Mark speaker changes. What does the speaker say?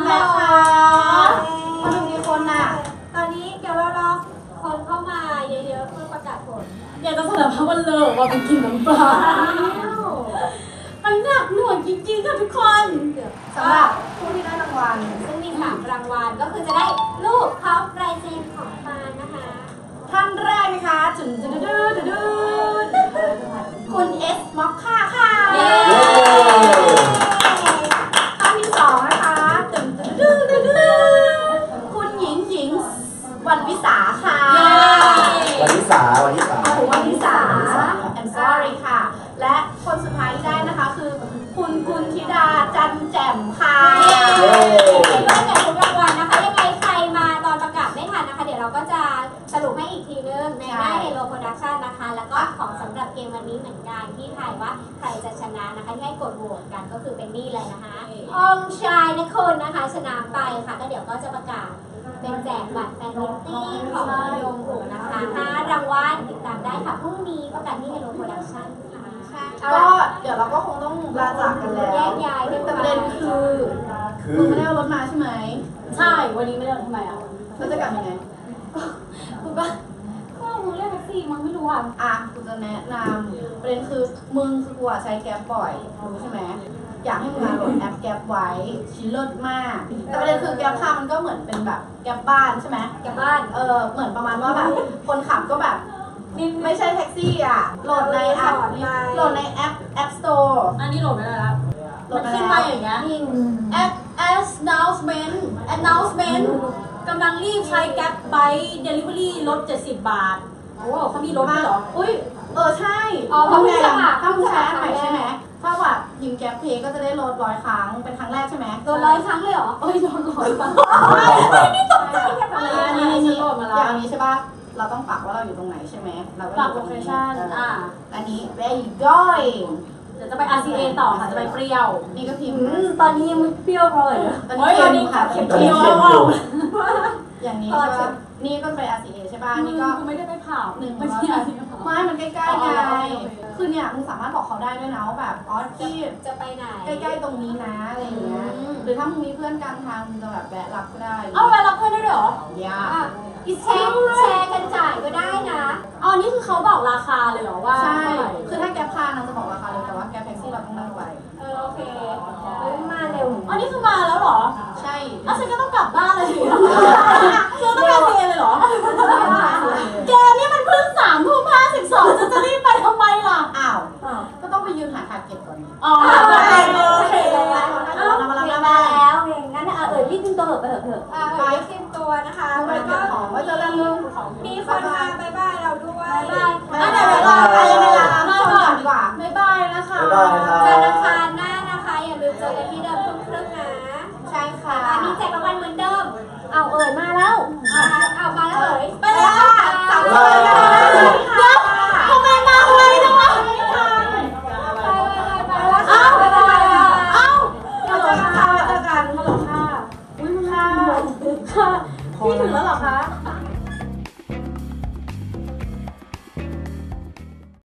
Speaker 1: แล้วค่ะคนดูกี่คนน่ะ
Speaker 2: ตอนนี้เดี๋ยวเรารอคนเข้ามาเยอะๆเพื่อประกาศผล
Speaker 3: อยากจะสารภาพว่าเลิกว่าเป็นกินน้ำปลามันหนักหน่วงจริงๆค่ะทุกคน
Speaker 1: สำหรับผู้ที่ได้รางวัล
Speaker 2: ซึ่งมี3รางวัลก็คือจะได้รูปพร้อมลายเซ็นของฟานนะคะ
Speaker 1: ท่านแรกนะคะจุดคุณเอสม็อกค่าค่ะท่านที่2นะคะคุณหญิงวันวิสาค่ะ
Speaker 4: วันวิสา
Speaker 1: I'm sorry ค่ะและคนสุดท้ายที่ได้นะคะคือคุณธิดาจันแจ่มค่ะ
Speaker 2: ก็แจกทุกรางวัลนะคะยังไงใครมาตอนประกาศไม่ทันนะคะเดี๋ยวเราก็จะสรุปให้อีกทีนึงในหน้า Hello Production นะคะแล้วก็ของสำหรับเกมวันนี้เหมือนกันที่ทายว่าใครจะชนะนะคะที่ให้กดโหวตกันก็คือเป็นนี่เลยนะคะองชายนคนนะคะชนะไปค่ะก็เดี๋ยวก็จะประกาศเป็นแจกบัตรแฟนมิตติ้งของโยงหูนะคะ5รางวัลติดตามได้ค่ะพรุ่งนี้ประกาศที่ Hello Production
Speaker 1: ก็เดี๋ยวเราก็คงต้องลาจากกันแล้ว
Speaker 2: แยกย้าย
Speaker 1: แต่ประเด็นคือมึงไม่ได้เอารถมาใช่ไหม
Speaker 3: ใช่วันนี้ไม่ได้ทำไมอ่ะ
Speaker 1: แล้วจะกลับยังไง
Speaker 3: คุณป้าก็มึงเรียกแท็กซี่มึงไม่รู้
Speaker 1: อ่ะกูจะแนะนำประเด็นคือมึงคือกูใช้แก๊ปบ่อยรู้ใช่ไหมอยากให้มึงมาโหลดแอปแก๊ปไว้ชิ้นเลิศมากแต่ประเด็นคือแก๊ปค่ะมันก็เหมือนเป็นแบบแก๊ปบ้านใช่ไหม
Speaker 2: แก๊ปบ้าน
Speaker 1: เหมือนประมาณว่าแบบคนขับก็แบบไม่ใช่แท็กซี่อ่ะโหลดในแอปStore
Speaker 3: อันนี้โหลดไม่ได้แล้วมันขึ้นมาอย่างเงี้ยแอป announcement กำลังรีบใช้แก๊ปไบค์ delivery ลด70 บาทโอ้เขามีลดด้วยเหรอ
Speaker 1: อุ้ยใช่ถ้ามึงใช้อันใหม่ใช่ไหมถ้าแบบยิงแก๊ปเพย์ก็จะได้ลด100 ครั้งเป็นครั้งแรกใช่ไหม
Speaker 2: ลด100 ครั้งเลยเหรอ
Speaker 3: โอ้ยลด100 ครั้ง
Speaker 1: นี่ตกใจอันนี้โหลดมาแล้วอย่างนี้ใช่ป่ะเราต้องปักว่าเราอยู่ตรงไหนใช่ไหมเรา
Speaker 3: ปักโลเคชั่น
Speaker 1: อันนี้ where you going
Speaker 3: เดี๋ยวจะไป RCA ต่อค่ะจะไปเปรี้ยว
Speaker 1: นี่ก็พิมพ์
Speaker 2: ตอนนี้มันเปรี้ยวเลย
Speaker 1: ตอนนี้ค่ะเปรี้ยวอย่างนี้ใช่ป่ะนี่ก็ไป RCA ใช่ป่ะนี่ก็
Speaker 3: ไม่ได้ไปเผา
Speaker 1: ไม่ใช่ไม่มันใกล้ๆไงคือเนี่ยมึงสามารถบอกเขาได้ด้วยนะว่าแบบที่
Speaker 2: จะไปไหน
Speaker 1: ใกล้ๆตรงนี้นะอะไรอย่างเงี้ยหรือถ้ามึงมีเพื่อนกลางทางมึงจะแบบแวะรับก็ได้
Speaker 3: แวะรับเพื่อนได้เหรอ
Speaker 1: อย่า
Speaker 2: แชร์กันจ่ายก็ได้นะ
Speaker 3: นี่คือเขาบอกราคาเลยเหรอว่า
Speaker 1: ใช่คือถ้าแก๊ปพานางจะบอกราคาเลยแต่ว่าแก๊ปแท็กซี่เราต้องนั่งไว้
Speaker 2: โอเคมาเร็ว
Speaker 3: นี่คือมาแล้วเหรอ
Speaker 1: ใช่
Speaker 3: ฉันก็ต้องกลับบ้านเลยคือต้องการเรียนเลยเหรอแกนี่มันเพิ่ง3:52จะรีบไปทำไมล่ะ
Speaker 1: ก็ต้องไปยืนหาทาร์เก็ตก่อน
Speaker 2: โอเคแล้วงั้นรีบดึงตัวไปเถอะไปเตรียมตัวนะคะแล้วก็
Speaker 1: ว่าจะเริ่ม
Speaker 2: มีคนมาบายบายเราด้วย
Speaker 1: เดี๋ยวเวลามาก่อนดีกว่า
Speaker 3: บายบายนะคะ
Speaker 2: เจอกันครั้งหน้านะคะอย่าลืมเจอกันที่เดิมทุ่มครึ่งนะ
Speaker 1: ใช่ค่ะ
Speaker 2: มีแจกรางวัลเหมือนเดิมมาแล้วมาแล้ว
Speaker 1: ไปเลยค่ะ
Speaker 3: 3 คนทำไมมาไวจังวะ
Speaker 1: เจอกันค่ะ
Speaker 3: พี่ถึงแล้วเหรอคะ